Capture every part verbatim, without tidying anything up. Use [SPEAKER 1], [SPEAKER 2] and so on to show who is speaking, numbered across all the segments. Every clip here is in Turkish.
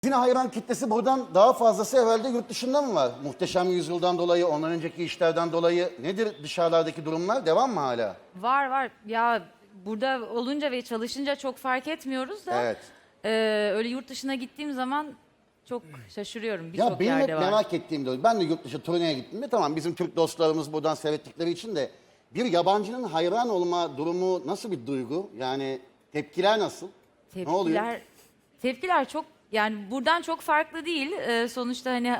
[SPEAKER 1] Sizin hayran kitlesi buradan daha fazlası herhalde yurt dışında mı var? Muhteşem Yüzyıl'dan dolayı, ondan önceki işlerden dolayı nedir dışarılardaki durumlar? Devam mı hala?
[SPEAKER 2] Var var. Ya burada olunca ve çalışınca çok fark etmiyoruz da.
[SPEAKER 1] Evet.
[SPEAKER 2] e, öyle yurt dışına gittiğim zaman çok şaşırıyorum.
[SPEAKER 1] Ya
[SPEAKER 2] Birçok
[SPEAKER 1] benim hep
[SPEAKER 2] yerde var.
[SPEAKER 1] merak ettiğim de o. Ben de yurt dışı turneye gittim de tamam bizim Türk dostlarımız buradan seyrettikleri için de bir yabancının hayran olma durumu nasıl bir duygu? Yani tepkiler nasıl? Ne oluyor?
[SPEAKER 2] Tepkiler, tepkiler çok yani buradan çok farklı değil. Ee, sonuçta hani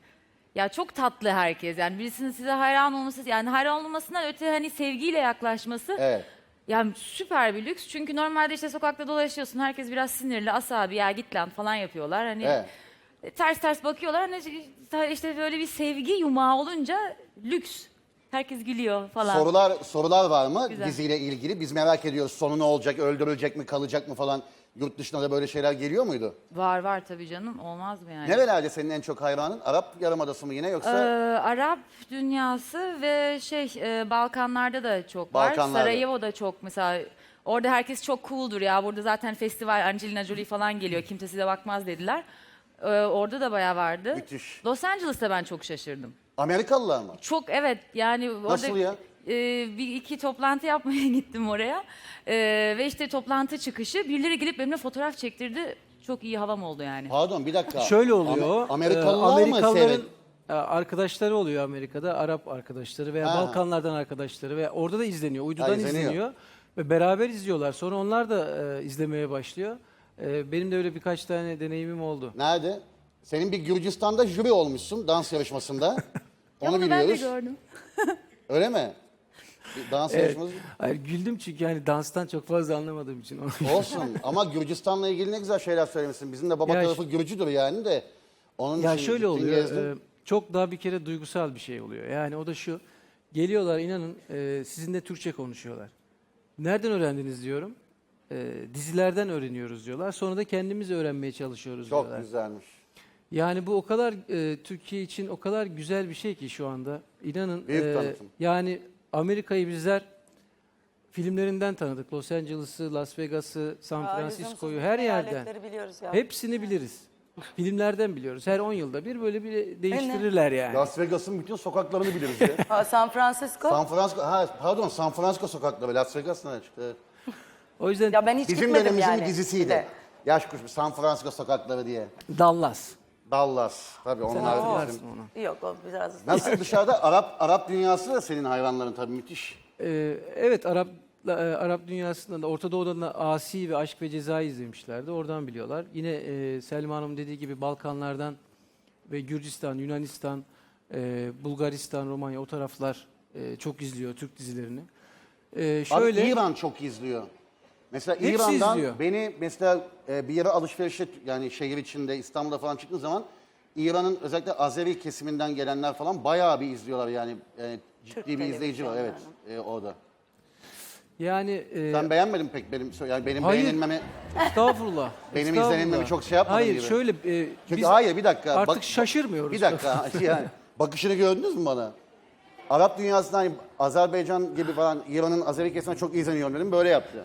[SPEAKER 2] ya çok tatlı herkes. Yani birisinin size hayran olması yani hayran olmasından öte hani sevgiyle yaklaşması.
[SPEAKER 1] Evet.
[SPEAKER 2] Yani süper bir lüks. Çünkü normalde işte sokakta dolaşıyorsun. Herkes biraz sinirli. Asabi ya git lan falan yapıyorlar. Hani
[SPEAKER 1] Evet.
[SPEAKER 2] ters ters bakıyorlar. Hani işte böyle bir sevgi yumağı olunca lüks. Herkes gülüyor falan.
[SPEAKER 1] Sorular sorular var mı
[SPEAKER 2] Güzel.
[SPEAKER 1] diziyle ilgili? Biz merak ediyoruz. Sonu ne olacak? Öldürülecek mi? Kalacak mı falan? Yurt dışına da böyle şeyler geliyor muydu?
[SPEAKER 2] Var var tabii canım. Olmaz mı yani?
[SPEAKER 1] Nerelerde senin en çok hayranın? Arap Yarımadası mı yine
[SPEAKER 2] Ee,
[SPEAKER 1] yoksa?
[SPEAKER 2] Arap dünyası ve şey e, Balkanlarda da çok var.
[SPEAKER 1] Balkanlarda.
[SPEAKER 2] Sarajevo'da çok mesela. Orada herkes çok cool'dur ya. Burada zaten festival Angelina Jolie falan geliyor. Kimse size bakmaz dediler. Ee, orada da bayağı vardı.
[SPEAKER 1] Müthiş.
[SPEAKER 2] Los Angeles'ta ben çok şaşırdım.
[SPEAKER 1] Amerikalılar mı?
[SPEAKER 2] Çok evet yani
[SPEAKER 1] Nasıl
[SPEAKER 2] orada
[SPEAKER 1] ya?
[SPEAKER 2] e, bir iki toplantı yapmaya gittim oraya. E, ve işte toplantı çıkışı birileri gelip benimle fotoğraf çektirdi. Çok iyi havam oldu yani.
[SPEAKER 1] Pardon bir dakika.
[SPEAKER 3] Şöyle oluyor.
[SPEAKER 1] Am- Amerikalılar
[SPEAKER 3] e,
[SPEAKER 1] mı
[SPEAKER 3] Amerikalıların
[SPEAKER 1] seyret?
[SPEAKER 3] e, arkadaşları oluyor Amerika'da. Arap arkadaşları veya
[SPEAKER 1] Ha.
[SPEAKER 3] Balkanlardan arkadaşları ve orada da izleniyor. Uydudan
[SPEAKER 1] Ha, izleniyor.
[SPEAKER 3] izleniyor. Ve beraber izliyorlar. Sonra onlar da e, izlemeye başlıyor. E, benim de öyle birkaç tane deneyimim oldu.
[SPEAKER 1] Nerede? Senin bir Gürcistan'da jüri olmuşsun dans yarışmasında.
[SPEAKER 2] Ya
[SPEAKER 1] Onu
[SPEAKER 2] bunu ben de
[SPEAKER 1] biliyoruz.
[SPEAKER 2] gördüm.
[SPEAKER 1] Öyle mi? Bir dans
[SPEAKER 3] Evet.
[SPEAKER 1] yarışması.
[SPEAKER 3] Hayır, güldüm çünkü yani danstan çok fazla anlamadığım için.
[SPEAKER 1] Olsun ama Gürcistan'la ilgili ne güzel şeyler söylemişsin. Bizim de baba
[SPEAKER 3] Ya
[SPEAKER 1] tarafı Gürcüdür yani de. Onun
[SPEAKER 3] Ya
[SPEAKER 1] için
[SPEAKER 3] şöyle
[SPEAKER 1] gittin,
[SPEAKER 3] oluyor,
[SPEAKER 1] gezdin.
[SPEAKER 3] e, çok daha bir kere duygusal bir şey oluyor. Yani o da şu, geliyorlar inanın e, sizinle Türkçe konuşuyorlar. Nereden öğrendiniz diyorum. E, dizilerden öğreniyoruz diyorlar. Sonra da kendimiz öğrenmeye çalışıyoruz
[SPEAKER 1] Çok
[SPEAKER 3] diyorlar.
[SPEAKER 1] güzelmiş.
[SPEAKER 3] Yani bu o kadar e, Türkiye için o kadar güzel bir şey ki şu anda. İnanın
[SPEAKER 1] Büyük tanıtım.
[SPEAKER 3] yani Amerika'yı bizler filmlerinden tanıdık. Los Angeles'ı, Las Vegas'ı, San
[SPEAKER 4] Aa,
[SPEAKER 3] Francisco'yu
[SPEAKER 4] lüzumsuz
[SPEAKER 3] her yerden.
[SPEAKER 4] eyaletleri biliyoruz ya.
[SPEAKER 3] Hepsini biliriz. Filmlerden biliyoruz. Her on yılda bir böyle bir değiştirirler yani.
[SPEAKER 1] Las Vegas'ın bütün sokaklarını biliriz ya.
[SPEAKER 4] Ha, San Francisco.
[SPEAKER 1] San Francisco, ha pardon San Francisco sokakları. Las Vegas nerede çıktı? Evet.
[SPEAKER 3] O yüzden
[SPEAKER 4] Ya ben hiç
[SPEAKER 1] Bizim
[SPEAKER 4] gitmedim
[SPEAKER 1] dönemimizin
[SPEAKER 4] yani.
[SPEAKER 1] bir dizisiydi.
[SPEAKER 4] De.
[SPEAKER 1] Yaş kuşu San Francisco sokakları diye.
[SPEAKER 3] Dallas.
[SPEAKER 1] Dallas. Tabii onlar
[SPEAKER 3] Hatırlarsın
[SPEAKER 1] bizim.
[SPEAKER 3] onu.
[SPEAKER 4] Yok o biraz.
[SPEAKER 1] Nasıl dışarıda Arap Arap dünyası da senin hayranların tabii müthiş.
[SPEAKER 3] Ee, evet Arap e, Arap dünyasında da Orta Doğu'dan da Asi ve Aşk ve Ceza'yı izlemişlerdi. Oradan biliyorlar. Yine e, Selma Hanım dediği gibi Balkanlardan ve Gürcistan, Yunanistan, e, Bulgaristan, Romanya o taraflar e, çok izliyor Türk dizilerini. E, şöyle
[SPEAKER 1] Abi İran çok izliyor. Mesela
[SPEAKER 3] Hepsi
[SPEAKER 1] İran'dan
[SPEAKER 3] izliyor.
[SPEAKER 1] beni mesela e, bir yere alışverişe yani şehir içinde İstanbul'da falan çıktığım zaman İran'ın özellikle Azeri kesiminden gelenler falan bayağı bir izliyorlar yani e, ciddi
[SPEAKER 4] Türk
[SPEAKER 1] bir izleyici var evet e, orada.
[SPEAKER 3] yani e,
[SPEAKER 1] Sen beğenmedin pek benim yani benim
[SPEAKER 3] Hayır.
[SPEAKER 1] beğenilmemi
[SPEAKER 3] estağfurullah.
[SPEAKER 1] Benim
[SPEAKER 3] estağfurullah.
[SPEAKER 1] izlenimimi çok şey yapmadın
[SPEAKER 3] Hayır
[SPEAKER 1] gibi.
[SPEAKER 3] şöyle e,
[SPEAKER 1] Çünkü
[SPEAKER 3] biz
[SPEAKER 1] hayır bir dakika.
[SPEAKER 3] artık
[SPEAKER 1] bak-
[SPEAKER 3] şaşırmıyoruz.
[SPEAKER 1] Bir dakika yani bakışını gördünüz mü bana? Arap dünyasından hani Azerbaycan gibi falan İran'ın Azeri kesimine çok izleniyorum dedim böyle yaptı.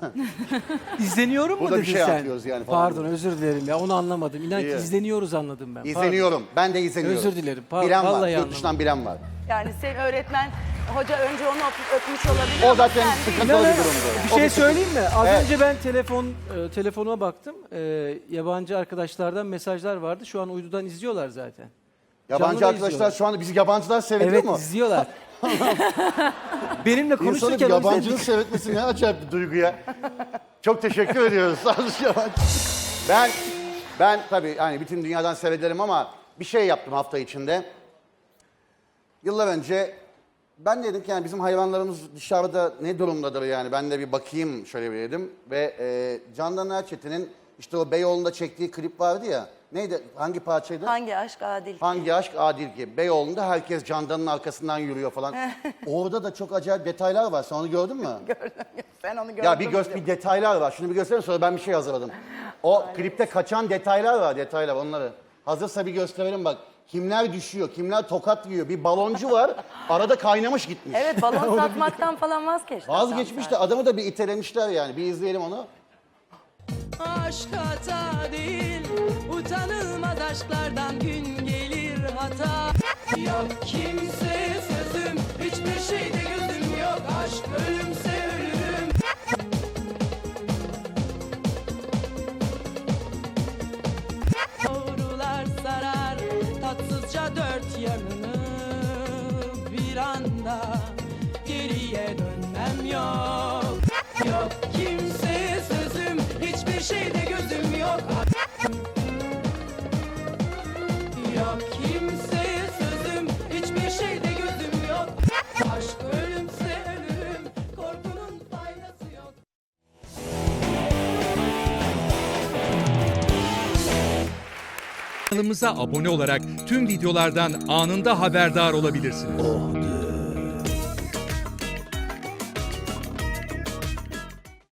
[SPEAKER 3] İzleniyorum mu
[SPEAKER 1] Burada bir
[SPEAKER 3] dedin
[SPEAKER 1] şey
[SPEAKER 3] sen?
[SPEAKER 1] yapıyoruz yani falan.
[SPEAKER 3] Pardon özür dilerim ya onu anlamadım. İnan ki
[SPEAKER 1] İyi.
[SPEAKER 3] izleniyoruz anladım ben. Pardon.
[SPEAKER 1] İzleniyorum. Ben de izleniyorum.
[SPEAKER 3] Özür dilerim. Pa-
[SPEAKER 1] bilen var.
[SPEAKER 3] vallahi
[SPEAKER 1] Yurt
[SPEAKER 3] anlamadım.
[SPEAKER 1] dışından bilen var.
[SPEAKER 4] Yani senin öğretmen hoca önce onu öp- öpmüş olabilir
[SPEAKER 1] O
[SPEAKER 4] ama
[SPEAKER 1] zaten
[SPEAKER 4] sen değil.
[SPEAKER 1] sıkıntılı bir
[SPEAKER 3] İnanın,
[SPEAKER 1] durumdu.
[SPEAKER 3] bir
[SPEAKER 1] O
[SPEAKER 3] şey
[SPEAKER 1] sıkıntı.
[SPEAKER 3] söyleyeyim mi? Az
[SPEAKER 1] Evet.
[SPEAKER 3] önce ben telefon e, telefonuma baktım. E, yabancı arkadaşlardan mesajlar vardı. Şu an uydudan izliyorlar zaten.
[SPEAKER 1] Yabancı
[SPEAKER 3] Canlı da
[SPEAKER 1] arkadaşlar
[SPEAKER 3] izliyorlar.
[SPEAKER 1] şu anda bizi yabancılar seyrediyor
[SPEAKER 3] Evet
[SPEAKER 1] mu?
[SPEAKER 3] izliyorlar. Benimle
[SPEAKER 1] İnsanın
[SPEAKER 3] konuşurken o
[SPEAKER 1] yabancının
[SPEAKER 3] yüzden-
[SPEAKER 1] seyretmesi ne acayip bir duygu ya. Çok teşekkür ediyoruz. Sağ olun yabancı. Ben, ben tabii hani bütün dünyadan seyrederim ama bir şey yaptım hafta içinde. Yıllar önce ben dedim ki yani bizim hayvanlarımız dışarıda ne durumdadır yani ben de bir bakayım şöyle bir dedim. Ve e, Candan Erçetin'in işte o Beyoğlu'nda çektiği klip vardı ya. Neydi? Hangi parçaydı?
[SPEAKER 4] Hangi aşk adil?
[SPEAKER 1] Hangi aşk adil ki? Beyoğlu'nda herkes Candan'ın arkasından yürüyor falan. Orada da çok acayip detaylar var. Sen onu gördün mü?
[SPEAKER 4] Sen onu gördün
[SPEAKER 1] Ya bir
[SPEAKER 4] mü
[SPEAKER 1] göz
[SPEAKER 4] diyorum.
[SPEAKER 1] bir detaylar var. Şunu bir göstereyim sonra ben bir şey hazırladım. O klipte kaçan detaylar var, detaylar onları. Hazırsa bir gösterelim bak. Kimler düşüyor, kimler tokat yiyor. Bir baloncu var. Arada kaynamış gitmiş.
[SPEAKER 4] Evet balon satmaktan falan vazgeçti.
[SPEAKER 1] Vazgeçmiş de adamı da bir itelemişler yani. Bir izleyelim onu.
[SPEAKER 5] Aşk hata değil, utanılmaz aşklardan gün gelir hata. Yok kimseye sözüm, hiçbir şeyde gözüm yok. Aşk ölümse ölürüm. Doğrular sarar tatsızca dört yanını. Bir anda geriye dönmem yok. Yok kimseye sözüm, hiçbir şeyde gözüm yok. Yok kimseye sözüm, hiçbir şeyde gözüm yok. Aşk ölümse ölürüm, korkunun faydası yok.
[SPEAKER 6] Kanalımıza abone olarak tüm videolardan anında haberdar olabilirsiniz.